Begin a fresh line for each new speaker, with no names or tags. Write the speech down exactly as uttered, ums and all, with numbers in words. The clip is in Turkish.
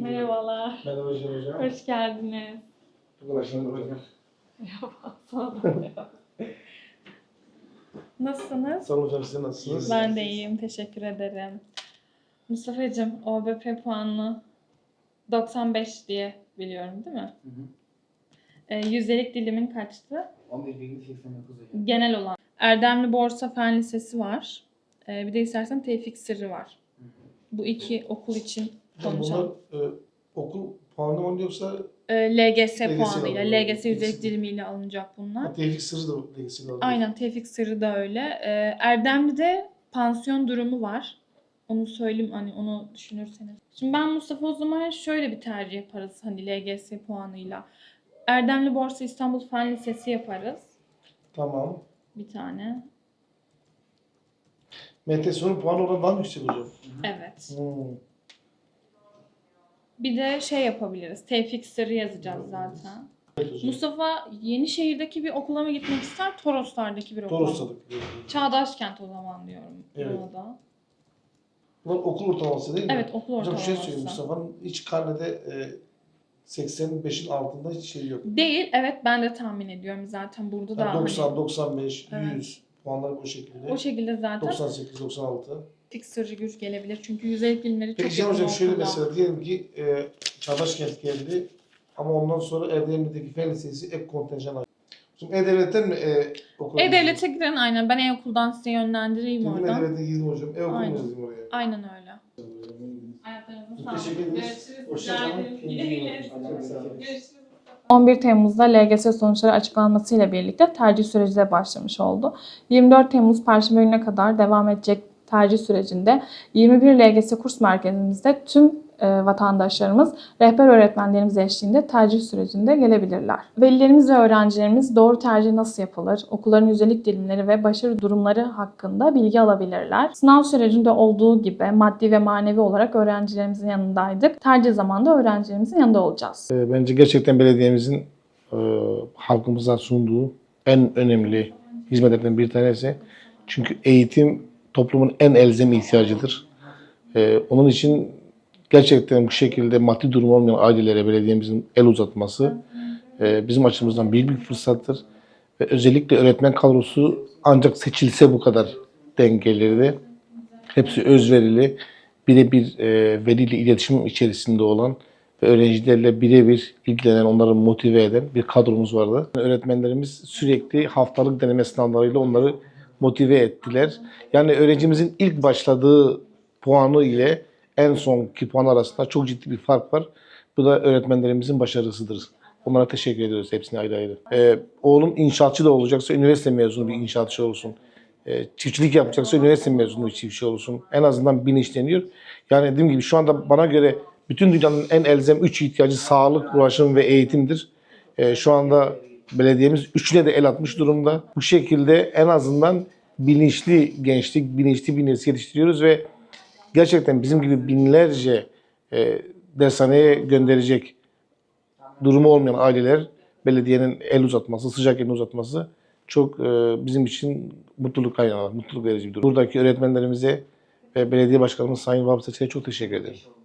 Merhabalar.
Merhaba hocam.
Hoş geldiniz.
Çok uğraştım hocam.
Merhaba. Sağ olun. Nasılsınız?
Sağ olun hocam, siz nasılsınız?
Ben de iyiyim. Teşekkür ederim. Mustafa'cığım O B P puanı doksan beş diye biliyorum değil mi?
Hı hı.
E, yüzdelik dilimin kaçtı?
on bir virgül seksen dokuz hocam.
Genel olan. Erdemli Borsa Fen Lisesi var. E, bir de istersen Tevfik Sırrı var.
Hı hı.
Bu iki okul için
Hocam
konuşalım.
bunlar e, okul puanı mı yoksa
E, L G S
L G S
puanıyla,
alıyor.
L G S yüzdelik
İkisi.
dilimiyle alınacak bunlar.
ha, tevfik sırrı da ilgisi alıyor?
Aynen, Tevfik Sırrı da öyle. Ee, Erdemli'de pansiyon durumu var. Onu söyleyeyim, hani onu düşünürseniz. Şimdi ben Mustafa o zaman şöyle bir tercih yaparız hani L G S puanıyla. Erdemli Borsa İstanbul Fen Lisesi yaparız.
Tamam.
Bir tane.
M T S'nin puanı oradan daha mı yüksek hocam?
Evet.
Hmm.
Bir de şey yapabiliriz. Tevfik Sırrı yazacağız zaten.
Evet hocam.
Mustafa Yenişehir'deki bir okula mı gitmek ister? Toroslar'daki bir okula mı?
Toros'tadık.
Çağdaşkent o zaman diyorum.
Evet.
Buna da.
Bunlar okul ortalaması değil mi?
Evet, okul
Hocam bir şey
ortalaması.
söyleyeyim, Mustafa'nın hiç karnede e, seksen beşin altında hiç şey yok.
Değil, evet ben de tahmin ediyorum zaten burada da.
Yani doksan,
hani
doksan beş,
Evet.
yüz puanlar bu şekilde.
o şekilde zaten
doksan sekiz, doksan altı.
Tevfik Sırrı güç gelebilir. Çünkü yüzeylik bilimleri çok
Peki Cihan
yakın
hocam şöyle
okulda.
mesela diyelim ki e, Çağdaşkent geldi ama ondan sonra Erdemli'deki Fen Lisesi ek kontenjan aldı. Şimdi E-Devlet'ten mi e, okula
E-Devlet'e giren aynen. Ben E-Okul'dan size yönlendireyim
Girdim
oradan.
E-Devlet'e girdim hocam. E-Okul mu
Aynen.
yazayım oraya?
Aynen öyle. Ayaklarınıza sağlık.
Teşekkür ederiz.
Görüşürüz.
Hoşçakalın.
Görüşürüz. on bir Temmuz'da L G S sonuçları açıklanmasıyla birlikte tercih süreci de başlamış oldu. yirmi dört Temmuz Perşembe gününe kadar devam edecek tercih sürecinde yirmi bir L G S kurs merkezimizde tüm e, vatandaşlarımız rehber öğretmenlerimiz eşliğinde tercih sürecinde gelebilirler. Velilerimiz ve öğrencilerimiz doğru tercih nasıl yapılır, okulların yüzdelik dilimleri ve başarı durumları hakkında bilgi alabilirler. Sınav sürecinde olduğu gibi maddi ve manevi olarak öğrencilerimizin yanındaydık. Tercih zamanında öğrencilerimizin yanında olacağız.
E, Bence gerçekten belediyemizin e, halkımıza sunduğu en önemli hizmetlerden bir tanesi. Çünkü eğitim toplumun en elzem ihtiyacıdır. E, onun için gerçekten bu şekilde maddi durumu olmayan ailelere belediyemizin el uzatması e, bizim açımızdan büyük bir fırsattır. Ve özellikle öğretmen kadrosu ancak seçilse bu kadar denk gelirdi. Hepsi özverili, birebir e, veliyle iletişim içerisinde olan ve öğrencilerle birebir ilgilenen, onları motive eden bir kadromuz vardı. Öğretmenlerimiz sürekli haftalık deneme sınavlarıyla onları motive ettiler. Yani öğrencimizin ilk başladığı puanı ile en sonki puan arasında çok ciddi bir fark var. Bu da öğretmenlerimizin başarısıdır. Onlara teşekkür ediyoruz hepsine ayrı ayrı. Ee, oğlum inşaatçı da olacaksa üniversite mezunu bir inşaatçı olsun. Ee, çiftçilik yapacaksa üniversite mezunu bir çiftçi olsun. En azından bilinçleniyor. Yani dediğim gibi şu anda bana göre bütün dünyanın en elzem üç ihtiyacı sağlık, ulaşım ve eğitimdir. Ee, şu anda belediyemiz üçüne de el atmış durumda. Bu şekilde en azından bilinçli gençlik, bilinçli bir nesil yetiştiriyoruz ve gerçekten bizim gibi binlerce e, dershaneye gönderecek durumu olmayan aileler belediyenin el uzatması, sıcak elini uzatması çok e, bizim için mutluluk kaynağı, mutluluk verici bir durum. Buradaki öğretmenlerimize ve belediye başkanımız Sayın Vahap Seçer'e çok teşekkür ederim.